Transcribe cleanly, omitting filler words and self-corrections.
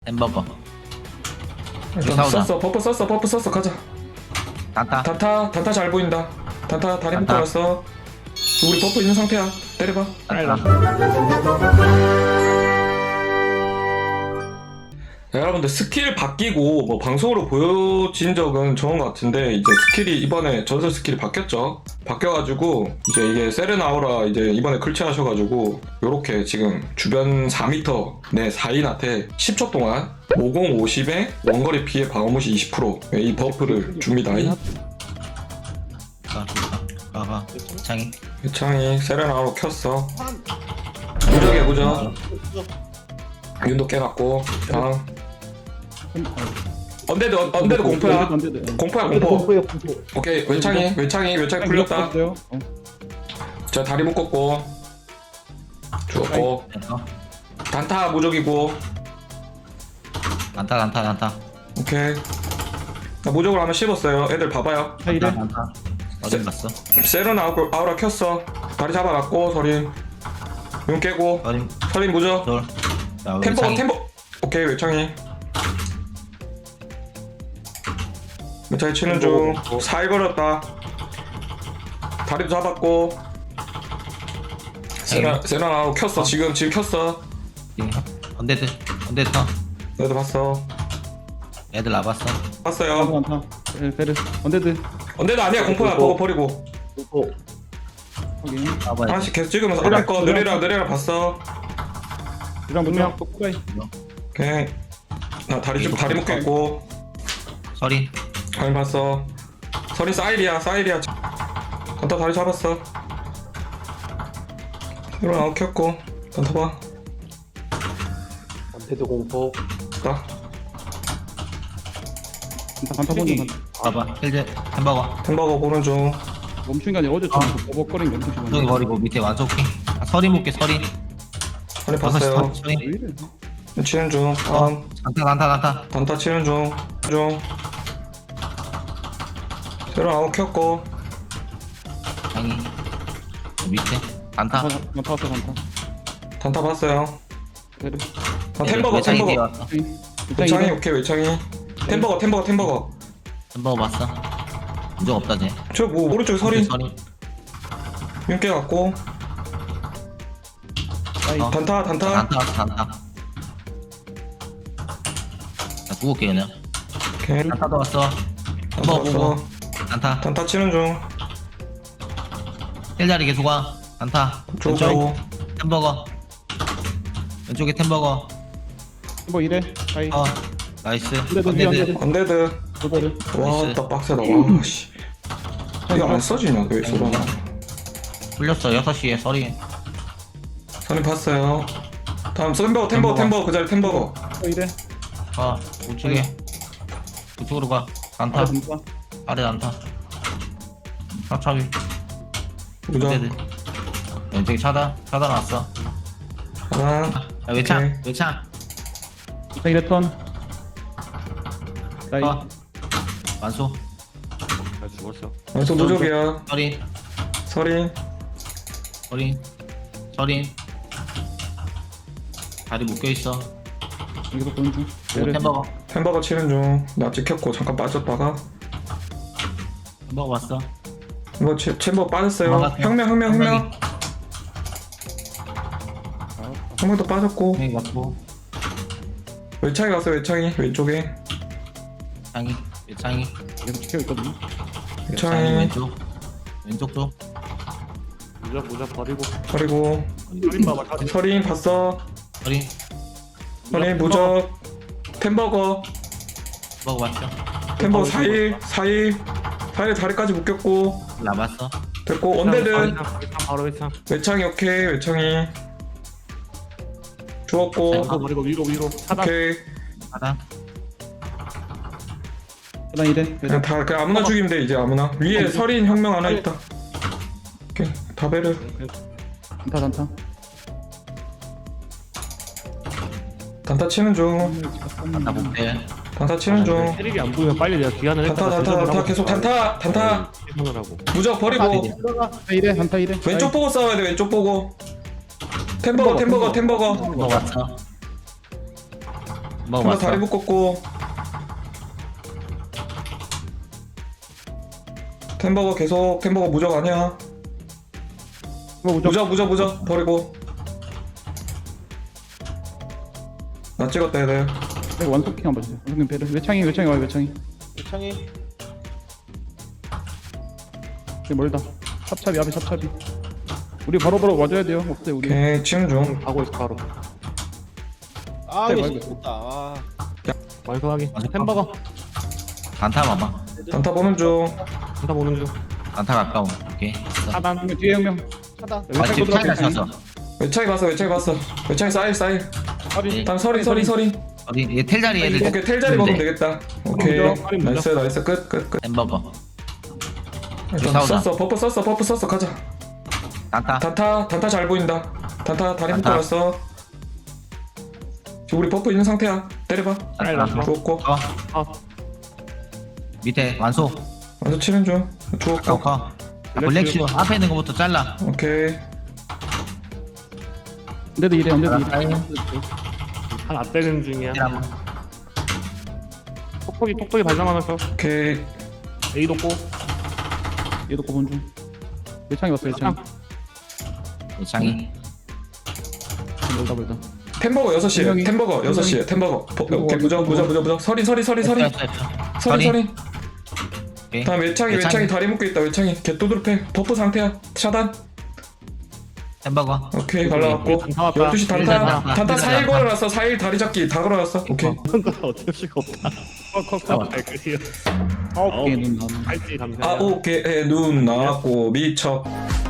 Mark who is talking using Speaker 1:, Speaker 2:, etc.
Speaker 1: 햄버거.
Speaker 2: 썼어. 버프 썼어. 가자.
Speaker 1: 단타.
Speaker 2: 단타 잘 보인다. 단타 다리
Speaker 1: 단타.
Speaker 2: 묶어놨어. 우리 버프 있는 상태야. 때려봐. 여러분들 스킬 바뀌고 뭐 방송으로 보여진 적은 좋은 것 같은데 이제 스킬이 이번에 전설 스킬이 바뀌었죠. 바뀌어가지고 이제 이게 세렌 아우라 이제 이번에 클치하셔가지고 요렇게 지금 주변 4m 내 4인한테 10초 동안 50-50에 원거리 피해 방어무시 20%이 버프를 줍니다.
Speaker 1: 봐봐. 창이.
Speaker 2: 유창이 세렌 아우라 켰어. 무적이야 무적. 윤도 깨놨고 다음 언데드 공포야. 공포야 공포. 오케이 외창이 풀렸다. 자 다리 묶었고 죽었고 단타 무적이고.
Speaker 1: 단타.
Speaker 2: 오케이 나 무적으로 한번 씹었어요. 애들 봐봐요.
Speaker 1: 단타. 어디 갔어?
Speaker 2: 세렌 아우라 켰어. 다리 잡아놨고 서린 윤 깨고 서린 무적. 템버 오케이 외창이 치는 중. 사이 걸었다. 다리도 잡았고 세나아웃 켰어. 지금 켰어.
Speaker 1: 언데드 터.
Speaker 2: 너도 봤어.
Speaker 1: 애들 나봤어.
Speaker 2: 봤어요.
Speaker 3: 베르 언데드
Speaker 2: 아니야. 공포야. 그거 버리고
Speaker 3: 확인.
Speaker 2: 하나씩 계속 찍으면서 앞에 거 느리라 봤어.
Speaker 3: 이랑 분명 똑바이.
Speaker 2: 오케이 나 다리 묶여 있고
Speaker 1: 서리.
Speaker 2: 다리 봤어. 서린 사이리야. 단타 다리 잡았어. 이런 아웃 켰고 단타 봐.
Speaker 4: 안테도 공포.
Speaker 2: 나
Speaker 3: 단타 보는
Speaker 1: 봐봐. 힐드 햄버거
Speaker 2: 보는 중.
Speaker 3: 멈춘 게 아니라 어제 좀 버벅거린 게 엄청
Speaker 1: 저기
Speaker 3: 심하네.
Speaker 1: 버리고 밑에 완소킹. 서리 묶게 서리.
Speaker 2: 다리 봤어요.
Speaker 1: 서리.
Speaker 3: 왜 이래?
Speaker 2: 치는 중. 다음
Speaker 1: 단타.
Speaker 2: 단타 치는 중. 새로 아웃 켰고
Speaker 1: 창이. 밑에 단타.
Speaker 3: 단타
Speaker 2: 단타 봤어요.
Speaker 3: 베르
Speaker 2: 템버거.
Speaker 1: 뛰어왔어.
Speaker 2: 외창이 오케이 외창이. 템버거.
Speaker 1: 햄버거 봤어. 문제가 없다 쟤.
Speaker 2: 저 뭐 오른쪽에 서린
Speaker 1: 서리.
Speaker 2: 윤깨 갖고 단타.
Speaker 1: 단타. 자, 구울게 그냥.
Speaker 2: 오케이
Speaker 1: 단타도 왔어.
Speaker 2: 단타
Speaker 1: 햄버거 보고.
Speaker 2: 왔어.
Speaker 1: 단타.
Speaker 2: 단타 치는 중.
Speaker 1: 힐자리 계속 와. 단타. 왼쪽.
Speaker 2: 쪼고
Speaker 1: 햄버거. 왼쪽에 햄버거.
Speaker 3: 뭐 이래? 하이.
Speaker 1: 나이스.
Speaker 3: 언데드.
Speaker 2: 언데드.
Speaker 3: 베르
Speaker 2: 와딱 빡세다. 와씨 이거 안 써지냐 왜 쏘나.
Speaker 1: 풀렸어. 6시에 서리.
Speaker 2: 선임 봤어요. 다음 템버거 그 자리 템버거.
Speaker 3: 뭐 이래?
Speaker 1: 우측에. 우측으로 가. 단타. 아래 단타. 차차위.
Speaker 2: 무적
Speaker 1: 왼쪽에 차단 왔어.
Speaker 2: 하나.
Speaker 1: 야, 외창.
Speaker 3: 이래 턴. 나이.
Speaker 1: 완소.
Speaker 4: 나 죽었어.
Speaker 2: 완성 무적이야.
Speaker 1: 서린.
Speaker 2: 서린
Speaker 1: 다리 묶여있어.
Speaker 3: 여기서 보는 중. 베르
Speaker 2: 템버거 치는 중. 나 찍혔고 잠깐 빠졌다가
Speaker 1: 햄버거 봤어.
Speaker 2: 이거 챔버 빠졌어요.
Speaker 1: 도망갔어요.
Speaker 2: 혁명 혁명도 빠졌고
Speaker 1: 네, 맞고.
Speaker 2: 외창이 갔어요. 외창이 왼쪽에.
Speaker 1: 외창이.
Speaker 3: 계속 지켜 있거든요.
Speaker 2: 외창이
Speaker 1: 왼쪽 쪽.
Speaker 4: 무적 버리고.
Speaker 2: 그리고
Speaker 4: 서린 봐봐. 서린.
Speaker 2: 서린 봤어. 서린 무적. 템버거
Speaker 1: 봤죠.
Speaker 2: 템버거 4일 다리까지 묶였고
Speaker 1: 나봤어.
Speaker 2: 됐고 언데드
Speaker 4: 바로 회창.
Speaker 2: 외창이 오케이. 외창이 죽었고
Speaker 4: 이거 버리고 위로. 차단.
Speaker 2: 오케이.
Speaker 1: 하단.
Speaker 3: 하나 이래.
Speaker 2: 그냥 다 그냥 아무나 죽이면 돼. 이제 아무나 위에 서린 혁명 하나 있다. 오케이 다베르
Speaker 3: 단타.
Speaker 2: 단타 치는 중.
Speaker 1: 단타 못해.
Speaker 2: 단타 치는 중.
Speaker 4: 세력이 안 보이면 빨리 내가 기한을
Speaker 2: 단타 계속 단타
Speaker 4: 생각을 하고.
Speaker 2: 무적 버리고
Speaker 3: 단타 이래.
Speaker 2: 왼쪽 보고 싸워야 돼. 왼쪽 보고 템버거
Speaker 1: 햄버거 봤어. 먹어
Speaker 2: 한번
Speaker 1: 왔어.
Speaker 2: 다리 묶었고 템버거 계속 템버거 무적 아니야.
Speaker 3: 이거 무적.
Speaker 2: 무적 버리고. 나 찍었다 얘들.
Speaker 3: 이거 원소킹 한번 주세요. 원소킹 배를. 외창이 와요 외창이.
Speaker 5: 창이
Speaker 3: 이게 멀다. 찹찹이 앞에 찹찹이. 우리 바로 와줘야 돼요. 없어요 우리.
Speaker 2: 오케이 치는 중.
Speaker 4: 가고 있어 바로.
Speaker 5: 아
Speaker 3: 네,
Speaker 5: 이게
Speaker 3: 말고.
Speaker 5: 좋다. 아.
Speaker 4: 완성하기.
Speaker 1: 완성.
Speaker 4: 햄버거.
Speaker 1: 단타 봐봐.
Speaker 2: 단타 보는 중.
Speaker 4: 한타 보는 중.
Speaker 1: 단타 가까운. 오케이. 됐어.
Speaker 4: 차단.
Speaker 3: 형님 뒤에 형명.
Speaker 5: 차다.
Speaker 1: 아 지금 차이가 쳤어.
Speaker 2: 외창이 봤어. 외창이 사일.
Speaker 3: 허리.
Speaker 2: 다음 서린.
Speaker 1: 어디 얘 텔자리 애들.
Speaker 2: 오케이 텔자리 먹으면 되겠다. 오케이
Speaker 3: 무적.
Speaker 2: 나이스 끝.
Speaker 1: 햄버거.
Speaker 2: 일단
Speaker 1: 싸우자.
Speaker 2: 썼어 버프 썼어 가자.
Speaker 1: 단타.
Speaker 2: 단타 잘 보인다. 단타 다리
Speaker 1: 단타.
Speaker 2: 묶어놨어. 지금 우리 버프 있는 상태야. 때려봐.
Speaker 1: 단타.
Speaker 2: 죽었고.
Speaker 1: 밑에 완소.
Speaker 2: 완전 치는 중. 죽었고.
Speaker 1: 커. 블랙슈 앞에 있는 거부터 잘라.
Speaker 2: 오케이.
Speaker 3: 언제도 이래.
Speaker 4: 한안 빼는 중이야.
Speaker 1: 한번.
Speaker 4: 톡톡이 발전하면서
Speaker 2: 오케이.
Speaker 4: A도 꼬.
Speaker 3: 얘도 고본 중. 외창이 왔어 외창이.
Speaker 1: 장이.
Speaker 3: 멀다.
Speaker 2: 템버거 6시에.
Speaker 3: 분명히-
Speaker 2: 템버거 6시에. 템버거. 오케이 무적. 서린. 서린.
Speaker 1: 오케이.
Speaker 2: 다음 외창이 다리 묶여 있다. 외창이 개또드로 패. 버프 상태야. 차단.
Speaker 1: 햄버거.
Speaker 2: 오케이 갈라왔고.
Speaker 4: 단타 왔다.
Speaker 2: 12시 단타 4일 걸어놨어. 4일 다리 잡기 다 걸어놨어. 오케이.
Speaker 4: 어쩔 수가 없다.
Speaker 1: 잡아.
Speaker 4: 발끝이야.
Speaker 3: 오케이 눈 남.
Speaker 4: 할지 감사.
Speaker 2: 오케이 눈 나왔고 미쳐.